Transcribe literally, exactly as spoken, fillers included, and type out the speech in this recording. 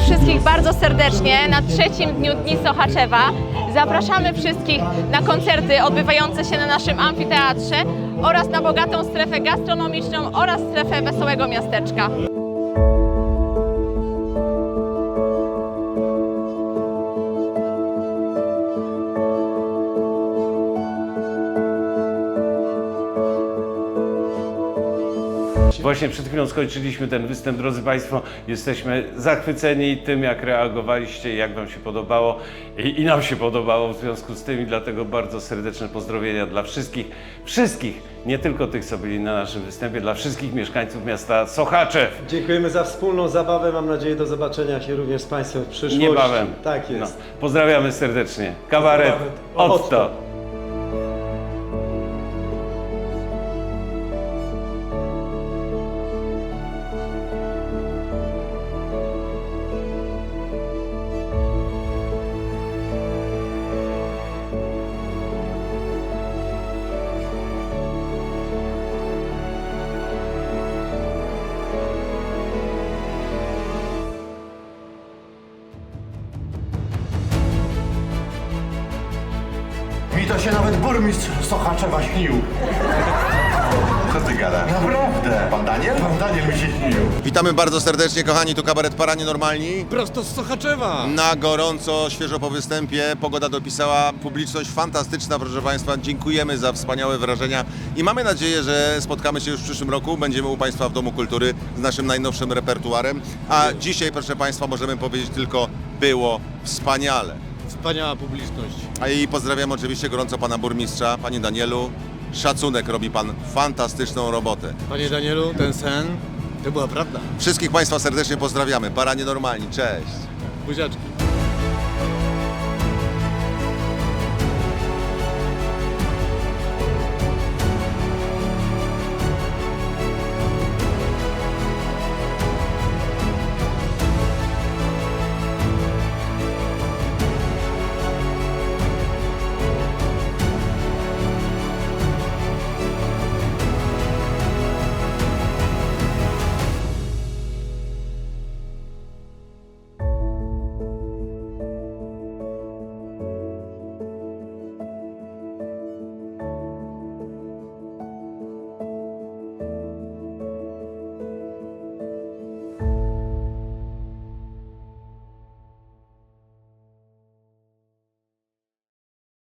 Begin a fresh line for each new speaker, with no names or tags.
wszystkich bardzo serdecznie na trzecim dniu Dni Sochaczewa. Zapraszamy wszystkich na koncerty odbywające się na naszym amfiteatrze oraz na bogatą strefę gastronomiczną oraz strefę Wesołego Miasteczka.
Właśnie przed chwilą skończyliśmy ten występ, drodzy Państwo. Jesteśmy zachwyceni tym, jak reagowaliście i jak Wam się podobało. I, I nam się podobało w związku z tym i dlatego bardzo serdeczne pozdrowienia dla wszystkich, wszystkich, nie tylko tych, co byli na naszym występie, dla wszystkich mieszkańców miasta Sochaczew.
Dziękujemy za wspólną zabawę. Mam nadzieję do zobaczenia się również z Państwem w przyszłości.
Niebawem.
Tak jest.
No, pozdrawiamy serdecznie. Kabaret Otto.
Mi to się nawet burmistrz Sochaczewa śnił.
Co ty gadasz?
Naprawdę.
Pan Daniel?
Pan Daniel mi się śnił.
Witamy bardzo serdecznie, kochani, tu kabaret Paranienormalni.
Prosto z Sochaczewa!
Na gorąco, świeżo po występie. Pogoda dopisała, publiczność fantastyczna, proszę Państwa. Dziękujemy za wspaniałe wrażenia i mamy nadzieję, że spotkamy się już w przyszłym roku. Będziemy u Państwa w Domu Kultury z naszym najnowszym repertuarem. A dzisiaj, proszę Państwa, możemy powiedzieć tylko, było wspaniale.
Wspaniała publiczność.
A i pozdrawiam oczywiście gorąco Pana Burmistrza, Panie Danielu. Szacunek, robi Pan fantastyczną robotę.
Panie Danielu, ten sen to była prawda.
Wszystkich Państwa serdecznie pozdrawiamy. Paranienormalni, cześć.
Buziaczki.